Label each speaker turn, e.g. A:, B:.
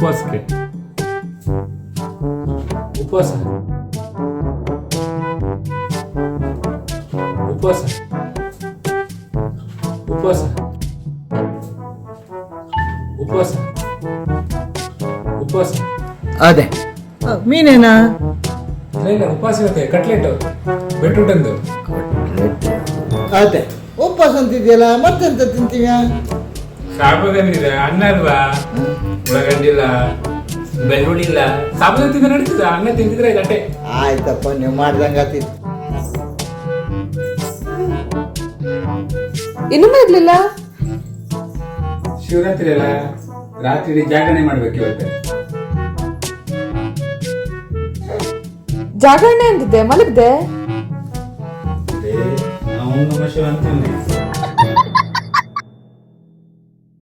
A: ಉಪವಾಸಕ್ಕೆ ಉಪವಾಸ ಉಪವಾಸ ಉಪವಾಸ ಉಪವಾಸ ಉಪವಾಸ
B: ಅದೇ ಮೀನೇನಾ?
A: ಇಲ್ಲ ಉಪವಾಸ ಇರುತ್ತೆ. ಕಟ್ಲೆಟ್ ಬೆಟ್ರೂಟ್ ಅಂದು
B: ಅದೇ ಉಪವಾಸ ಅಂತಿದ್ಯಲ್ಲ, ಮತ್ತೆಂತ ತಿಂತೀಯ?
A: ಸಾಬುದಾನಿದೆ, ಅನ್ನ ಅಲ್ವಾ, ಉಳ್ಳಾಗಡ್ಡಿ ಇಲ್ಲ, ಬೆಳ್ಳುಳ್ಳಿ ಇಲ್ಲ, ಸಾಬುದಾನಿ ತಿಂದ ನಡೀತದ. ಅನ್ನ ತಿಂತಿದ್ರೆ ಗಟ್ಟೆ.
B: ಆಯ್ತಪ್ಪ, ನೀವು ಮಾಡ್ದಂಗ ಆತಿತ್ತು.
C: ಇನ್ನೂ ಇರ್ಲಿಲ್ಲ.
A: ಶಿವರಾತ್ರಿ ಅಲ್ಲ, ರಾತ್ರಿ ಜಾಗರಣೆ ಮಾಡ್ಬೇಕು ಇವತ್ತು.
C: ಜಾಗರಣೆ ಅಂತಿದ್ದೆ, ಮಲಗ್ದೆ.
A: ನಾವು ನಮ ಶಿವ ಅಂತೀವಿ.